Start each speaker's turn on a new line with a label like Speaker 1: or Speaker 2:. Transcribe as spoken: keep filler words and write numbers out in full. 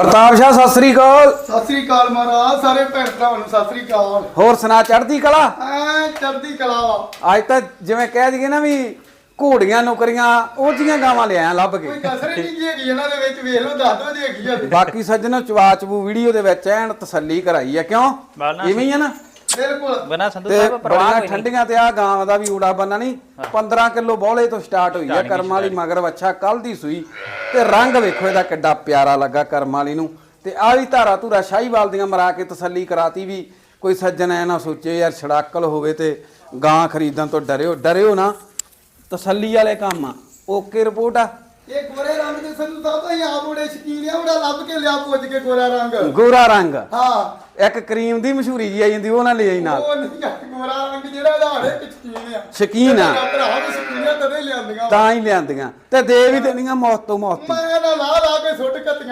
Speaker 1: ਪ੍ਰਤਾਪ ਸ਼ਾਹ ਸਤਿ ਸ੍ਰੀ ਅਕਾਲ।
Speaker 2: ਸਤਿ ਸ੍ਰੀ ਅਕਾਲ ਮਹਾਰਾਜ, ਸਾਰੇ ਭੈਣ ਭਰਾਵਾਂ ਨੂੰ ਸਤਿ ਸ੍ਰੀ ਅਕਾਲ।
Speaker 1: ਹੋਰ ਸੁਣਾ ਚੜ੍ਹਦੀ ਕਲਾ?
Speaker 2: ਐ ਚੜ੍ਹਦੀ ਕਲਾ ਵਾ।
Speaker 1: ਅੱਜ ਤਾਂ ਜਿਵੇਂ ਕਹਿ ਦਈਏ ਨਾ ਵੀ ਘੋੜੀਆਂ ਨੌਕਰੀਆਂ ਉਹ ਜੀਆਂ ਗਾਵਾਂ ਲਿਆਇਆ ਲੱਭ ਕੇ।
Speaker 2: ਕੋਈ ਕਸਰ ਹੀ ਨਹੀਂ ਹੈਗੀ ਇਹਨਾਂ ਦੇ ਵਿੱਚ, ਵੇਖ ਲਓ ਦੱਸ ਦੋ ਜੀ ਹੈਗੀ ਆ।
Speaker 1: ਬਾਕੀ ਸੱਜਣੋ ਚਵਾ ਚਬੂ ਵੀਡੀਓ ਦੇ ਵਿੱਚ ਐਨ ਤਸੱਲੀ ਕਰਾਈ ਆ, ਕਿਉਂ ਇਵੇਂ ਹੀ ਆ ਨਾ।
Speaker 2: ਬਿਲਕੁਲ
Speaker 3: ਬਣਾ ਸੰਧੂ
Speaker 1: ਤੇ
Speaker 3: ਸਾਹਿਬ ਪਰਵਾਹ
Speaker 1: ਬੜੀਆਂ
Speaker 3: ਕੋਈ ਨਹੀਂ।
Speaker 1: ਠੰਡੀਆਂ ਤੇ ਆ ਗਾਂ ਦਾ ਵੀ ਊੜਾ ਬੰਨਾ ਨਹੀਂ ਪੰਦਰਾਂ ਕਿਲੋ ਬੋਲੇ ਤੋਂ ਸਟਾਰਟ ਹੋਈ ਆ। ਕਰਮ ਵਾਲੀ ਮਗਰ ਵੱਛਾ ਕੱਲ ਦੀ ਸੂਈ ਤੇ ਰੰਗ ਵੇਖੋ ਇਹਦਾ ਕਿੱਡਾ ਪਿਆਰਾ ਲੱਗਾ ਕਰਮ ਵਾਲੀ ਨੂੰ। ਤੇ ਆ ਵੀ ਧਾਰਾ ਧੂਰਾ ਸ਼ਾਹੀਵਾਲ ਦੀਆਂ ਮਰਾ ਕੇ ਤਸੱਲੀ ਕਰਾਤੀ ਵੀ ਕੋਈ ਸੱਜਣ ਐ ਨਾ ਸੋਚੇ ਯਾਰ ਛੜਾਕਲ ਹੋਵੇ ਤੇ ਗਾਂ ਖਰੀਦਣ ਤੋਂ ਡਰਿਓ ਡਰਿਓ ਨਾ। ਤਸੱਲੀ ਵਾਲੇ ਕੰਮ ਆ। ਓਕੇ ਰਿਪੋਰਟ ਆ।
Speaker 2: ਇਹ ਗੋਰੇ ਰੰਗ ਦੇ ਸੰਧੂ ਸਾਹਿਬ ਤਾਂ ਆਪ ਬੜੇ ਸ਼ਕੀਨ ਆ, ਉਹਦਾ ਲੱਭ ਕੇ ਲਿਆ ਪੁੱਜ ਕੇ ਗੋਰਾ ਰੰਗ।
Speaker 1: ਗੋਰਾ ਰੰਗ
Speaker 2: ਹਾਂ,
Speaker 1: ਇੱਕ ਕਰੀਮ ਦੀ ਮਸ਼ਹੂਰੀ ਜੀ ਆ ਜਾਂਦੀ ਉਹ ਨਾ ਲੈ ਆਈ ਨਾਲ।
Speaker 2: ਉਹ ਨਹੀਂ ਆ ਗੋਰਾ ਰੰਗ ਜਿਹੜਾ ਇਹਦਾ ਹਰ ਇੱਕ ਸ਼ਕੀਨ ਆ।
Speaker 1: ਸ਼ਕੀਨ ਆ
Speaker 2: ਮੇਰਾ ਭਰਾ ਵੀ ਸ਼ਕੀਨ ਆ, ਤਦੇ ਲਿਆਂਦੀਆਂ।
Speaker 1: ਤਾਂ ਹੀ ਲਿਆਂਦੀਆਂ ਤੇ ਦੇ ਵੀ ਦੇਣੀਆਂ ਮੌਤ ਤੋਂ ਮੌਤ।
Speaker 2: ਮੈਂ ਇਹਦਾ ਲਾ ਲਾ ਕੇ ਸੁੱਟ ਕੱਤੀਆਂ।